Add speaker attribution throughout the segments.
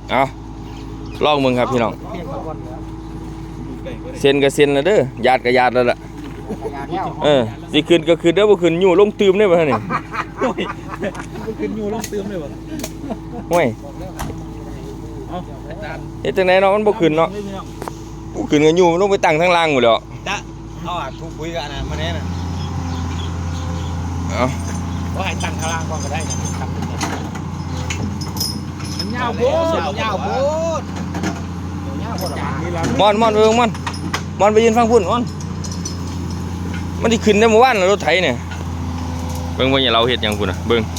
Speaker 1: เอาลองมึงครับพี่น้องเซ็นกับเซ็นนะเด้อญาติกับญาติแล้วล่ะสิขึ้นก็ขึ้นเด้อบ่ขึ้นอยู่ลงตืมได้บ่ฮะนี่
Speaker 2: ขึ้นอยู่ลงตืมได้บ่
Speaker 1: ห่วยเฮ็ดจังได๋เนาะมันบ่ขึ้นเนาะบ่ขึ้นก็อยู่ลงไปตั้งทางล่างหมดแล้ว
Speaker 2: จ้ะเอาทุกคุยกันนะมาแน่น่ะ
Speaker 1: เอา
Speaker 2: บ่ให้ตั้งทางล่างก่อนก็ได้นะทำมันยาวโพดยาวโพด
Speaker 1: มอนไปเบิ่งมอนไปยืนฟังพุ่นมันสิขึ้นได้เมื่อวานรถไถเนี่ยเบิ่งอย่าเราเฮ็ดหยังพุ่นน่ะเบิ่ง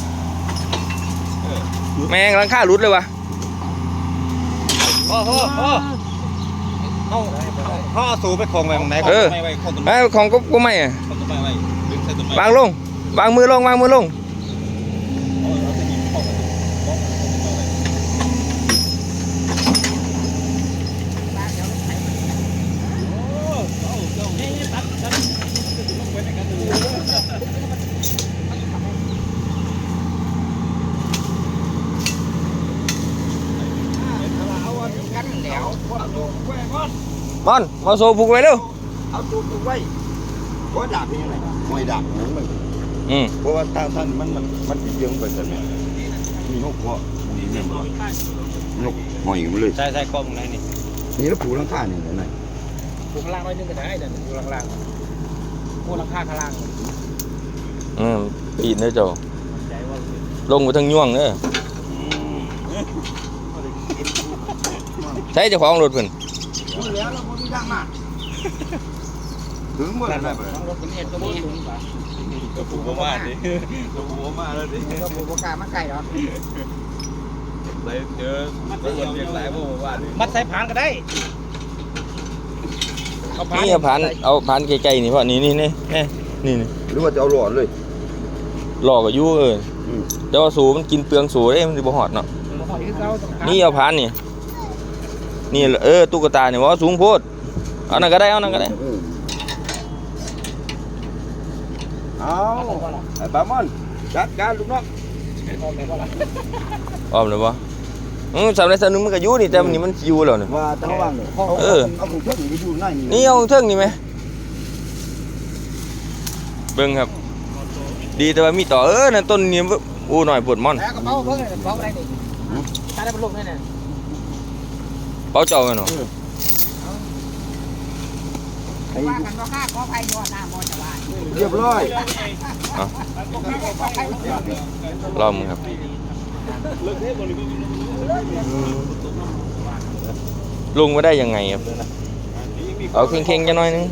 Speaker 1: แม่งหลังคาหลุดเลยวะ
Speaker 2: พ่อสูบไปคงไปตรงไหนไม่ไว้คงตรงไหน
Speaker 1: ของก็ไม่อ่ะวางลงวางมือลงมอนมาโซ่ผูกไว้เร็ว
Speaker 3: เอาตัวผูกไว้เพราะดาบนี่ไงไม่ดาบนั้นมันเพราะว่าท่านมันติดเยื่อไปแต่เนี่ยมีนกเพาะมีเนี่ยนกหอยมันเลย
Speaker 2: ใช่กล้องไหนนี่
Speaker 3: นี่แล้วผูกหลังคาเนี่ยไหน
Speaker 2: ผูกข้างล่างไว้นึงก็ได้เดี๋ยวผูกข้างล่างผูกหลังคาข้างล่าง
Speaker 1: ปีนเด้อเจ้าลงไปทางย่วงเด้อใช้เจ้าของรถเพิ่น
Speaker 3: แล้วเราไม่ดังมากถึงเมื่อไหร่ไป
Speaker 2: รถเป็นเอ็ดก็มี
Speaker 3: ตัวผูกมาดิตัวผูกมาแล้วดิ
Speaker 2: ตัวผูกกามาไก่หรอ
Speaker 3: เลยเจอมันเรียกหลายพวกว่า
Speaker 2: มัดใส่ผานก็ได้
Speaker 1: นี่เอาผานไกลๆนี่เพราะนี่
Speaker 3: หรือว่าจะเอาหลอดเลย
Speaker 1: หลอกกับยู่แต่ว่าสูมันกินเปลืองสูได้มันจะบ่หอดเนาะนี่เอาผานนี่ตุ๊กตาเนี่ยว่าสูงโพดเอานั่นก็ได้
Speaker 3: เอาไอ้ปามอนจัดการลูกน้อง
Speaker 1: อ้อมเลยปะสำหรับสนุกมันก็อยู่นี่แต่มันนี่มันอยู่แล้วเนี่ย
Speaker 3: ว่าตั้งว่างเลยเอาของเทิงนี่อยู่ไหน
Speaker 1: นี่เอาของเทิงนี่ไหมเบิ้งครับดีแต่ว่ามีต่อนั่นต้นนี้โอ้หน่อยปวดม่อน
Speaker 2: กระเป๋าเบิ้งกระเป๋าอะไรนี่ถ้าได้บรรลุเนี่ย
Speaker 1: เป๋าเจ้าไงเนาะ
Speaker 2: ว่ากันก็ค่าขอไฟยอดหน้ามอจะว่า
Speaker 3: เรียบร้อย
Speaker 1: รอบมึงครับลุงมาได้ยังไงครับเอาเข่งๆจะน้อยนึง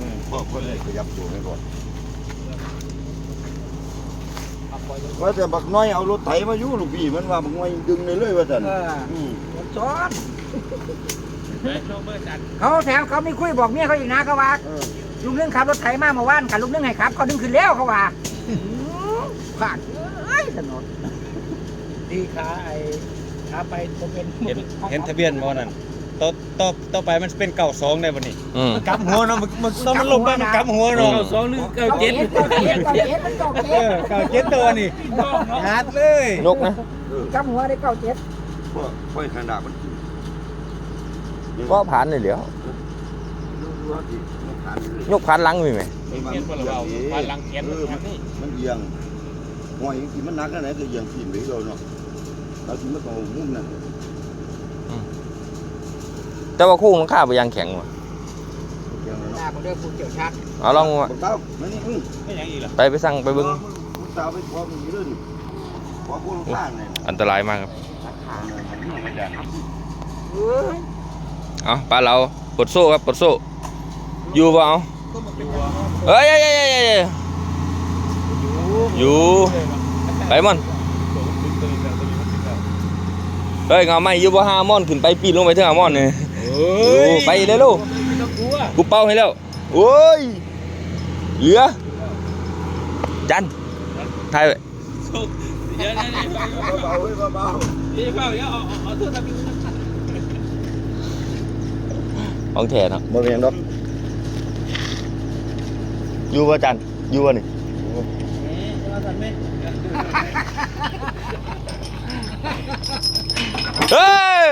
Speaker 3: ว่าแต่บักน้อยเอารถไถมาอยู่ลูกพี่มันว่าบักน้อยดึงเลยว่าสัน
Speaker 2: ซ้อนเขาแถมเขาไม่คุยบอกเมียเขาอีกนะเขาว่าลุงเรื่องขับรถไถมาเมื่อวานกับลุงเรื่องไงครับเขาดึงขึ้นแล้วเขาว่าผ่านถนนดีขาขาไปจะเป็นเห็นทะเบียนมอนั่นต่อไปมันเป็น92ได้บ่นี่กำหัวเนาะมันลงไปมันกำหัวเนาะ92หรือ97ตัวนี่หัดเลย
Speaker 1: นกนะ
Speaker 2: กำหัวได้97
Speaker 3: ค่อยขนาดมัน
Speaker 1: ก็ผ่านเลยเหลียวยกผ่านลังมีไหม
Speaker 2: ผ่านลังเขียน
Speaker 3: มันเอียงหอยที่มันนักอะไรคือเอียงขีดไปเราเนาะเราที่มันโตมุ่งนั่น
Speaker 1: แต่ว่าคู่มันข้าไปยังแข็งว่ะเอาลองมาไปสั่งไปบึ้งอันตรายมากครับเอาปลาเราปลดโซ่ครับปลดโซ่อยู่เปล่าเฮ้ยอยู่ไปมันเฮ้ยเงาไม่อยู่บ่5 ม่อนขึ้นไปปีนลงไปถึง5 ม่อนเนี่ยไปเลยลูกกูเป้าให้แล้วโอ้ยเหลือจันถ่ายไปของแท้เนาะ
Speaker 3: บ่แม่นดอก
Speaker 1: อยู่บ่จันอยู่บ่นี่เฮ้ย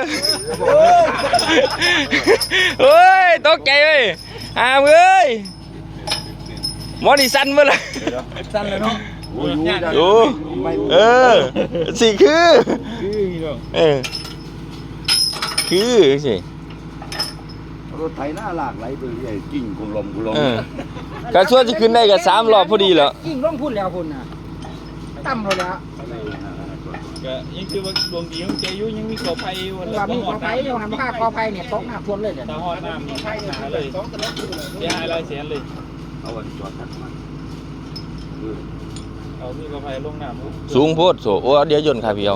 Speaker 1: เฮ้ยตกใจเว้ยเอ้ยหมอนี่สั้นเมื่อไร
Speaker 2: สั้นเลยเนาะ
Speaker 1: ดูสิคือคือสิ
Speaker 3: รถไถหน้าหลากไหลไปเรื่อยกิ่งกุลม
Speaker 1: การช่วยจะขึ้นได้กับ3 รอบพอดีแล้ว
Speaker 2: ยิ่งลงพูดแล้วคุณน่ะตั้มเราแล้ว
Speaker 4: ก็ยังคือว่าดวงดีของเจยุยังมีขอไฟวัน
Speaker 2: ว่ามีกอไผ่อยู่หันผ้ากอไผ่เนี่ยตกน้ำท่วมเลยเนี่ย
Speaker 4: ตาหอดน้ำมีหาเลยเสียหายหลายแสนเลย
Speaker 3: เอาวันจอดทักมัน
Speaker 4: เอามีขอไฟลงน้ำ
Speaker 1: สูงโพดโสโอ้เดี๋ยวยนต์ค่ะพี่เอา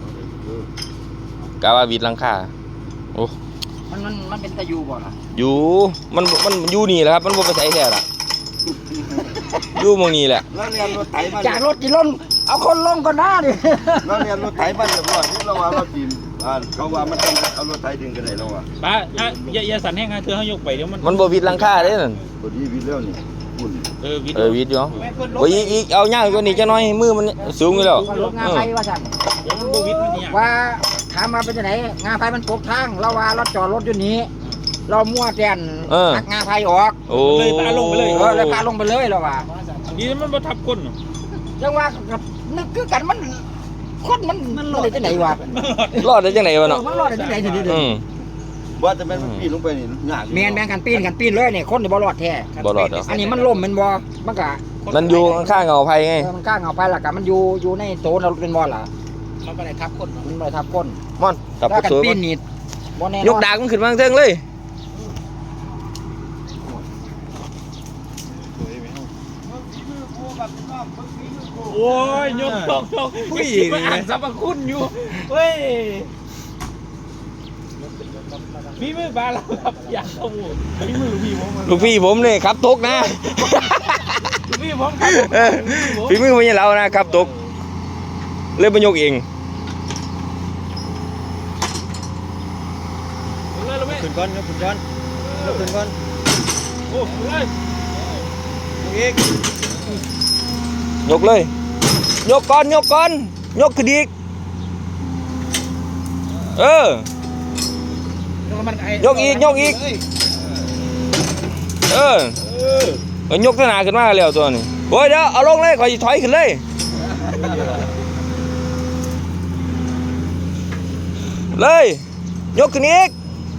Speaker 1: กะว่าวิดหลังคาโอ้
Speaker 2: มันเป็นตะยูบ่ล่ะ
Speaker 1: อยู่มันอยู่นี่แหละครับมันบ่ไปใส่แท้ล่ะอยู่หมองนี้แหละ
Speaker 3: แล้วเรียนรถไถมา
Speaker 2: จากรถกี่ล้นเอาคนลงก่อนหน้าดิ
Speaker 3: แล้วเรียนรถไถมาเรียบร้อยนี่เราว่าเราทีมเขาว่ามันต้องเอารถไถดึงกันได้แล้วอ่ะ
Speaker 4: ป้าอย่าสั่นแห้งเธอเขายกไปเดี๋ยวมัน
Speaker 1: มันบ่วิดหลังคาเด้นั่น
Speaker 3: พอดีวิแล้วนี่ปุ่น
Speaker 1: วิดอยู่โอ้ยอีกเอายากกว่านี้จักหน่อยมือมันสูงอยู่แล้ว
Speaker 2: รถงาไฟว่าสั่น
Speaker 4: เดี๋ยวมันโบวิดมันเนี่ย
Speaker 2: ว่าถามมาเป็นจังไหนงาไฟมันตกทางเราว่าเราจอดรถอยู่นี้ เรามั่วแทนหักงาไฟออก
Speaker 1: โอ้
Speaker 4: เลยปลาลงไปเลย
Speaker 2: เลยพาลงไปเลยเราว่า
Speaker 4: ดีมันบ่ทับก้น
Speaker 2: จังว่ากับนึกคือกันมันคนมันรอดได้จังไหนวะ
Speaker 1: รอดได้จังได๋วะเนาะ
Speaker 2: มันรอดได้จังไหนทีเดียว
Speaker 3: ว่าแต่มันปีนลงไปนี่ยาก
Speaker 2: แมนกันปีนเลยเนี่ยคนนี่บ่รอดแท้
Speaker 1: บ่รอดดอก
Speaker 2: อันนี้มันล่มมันบ่มันก็
Speaker 1: มันอยู่ข้างๆเงาไผไง
Speaker 2: มันกล้าเอาไปล่ะกันมันอยู่ในโซนเราเป็นบ่ล่ะมันก็ได้ทับคนมันบ่ได้ทับคน
Speaker 1: ม่อนกลับ
Speaker 2: ถ้า
Speaker 1: ไป
Speaker 2: กัน
Speaker 1: สวย
Speaker 2: ปี
Speaker 1: มัน
Speaker 2: นนี่บ่แน่นอน
Speaker 1: ยกดากมันขึ้นมาเทิงเลย
Speaker 4: โอ้ยยกผู้หญิงอ่านสรรพคุณอยู่เฮ้ยมีมือบาแล้วครับอยากเข้าหูมีมือพี่ผม
Speaker 1: ลูกพี่ผมนี่ครับตกนะ
Speaker 4: พี่ผมครับ
Speaker 1: ฝีมือมันยังเรานะครับตกเลยมายกเอง
Speaker 4: ขึ้นก้อนยกขึ้นก้อนยกขึ้นก้อนโอ้เลยอีก
Speaker 1: ยกเลย ยกก่อนยกขึ้นอีกยกอีกยกขนาดขึ้นมาแล้วตัวนี้โอ้ยเดี๋ยวเอาลงเลยขอถอยขึ้นเลยยกขึ้นอีก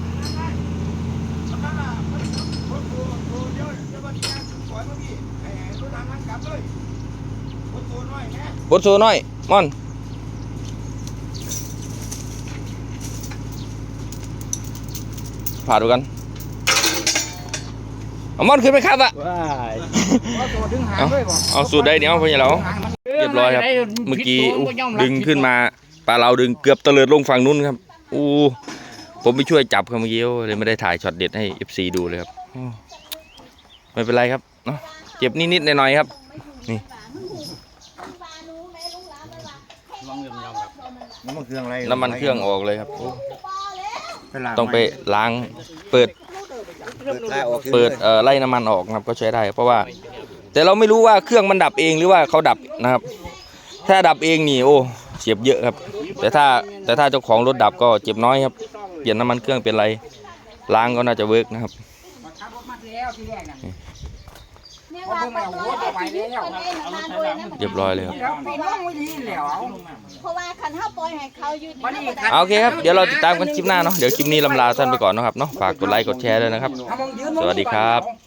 Speaker 1: บดโซ่น้อยม่อนผ่าดูกันเอาม่อนขึ้นไปครับอะ
Speaker 4: ว้าย
Speaker 1: เอาสูตรได้เดี๋ยวพ่อใหญ่เราเรียบร้อยครับเมื่อกี้ดึงขึ้นมาปลาเราดึงเกือบตะเลิดลงฝั่งนู้นครับผมไปช่วยจับครับเมื่อกี้เลยไม่ได้ถ่ายช็อตเด็ดให้ FC ดูเลยครับไม่เป็นไรครับเนาะเจ็บนิดๆหน่อยๆครับนี่น้ำมันเครื่องออกเลยครับต้องไปล้างเปิดไล่น้ำมันออกครับก็ใช้ได้เพราะว่าแต่เราไม่รู้ว่าเครื่องมันดับเองหรือว่าเขาดับนะครับ ถ้าดับเองนี่โอ้เจ็บเยอะครับแต่ถ้าเจ้าของรถดับก็เจ็บน้อยครับเปลี่ยนน้ำมันเครื่องเป็นไรล้างก็น่าจะเวิร์กนะครับเรียบร้อยเลยครับ
Speaker 5: เพราะว่าคันเท้าปล่อยให้เขาอยู่
Speaker 1: โอเคครับเดี๋ยวเราติดตามกันคลิปหน้าเนาะเดี๋ยวคลิปนี้ลำลาท่านไปก่อนนะครับเนาะฝากกดไลค์กดแชร์ด้วยนะครับสวัสดีครับ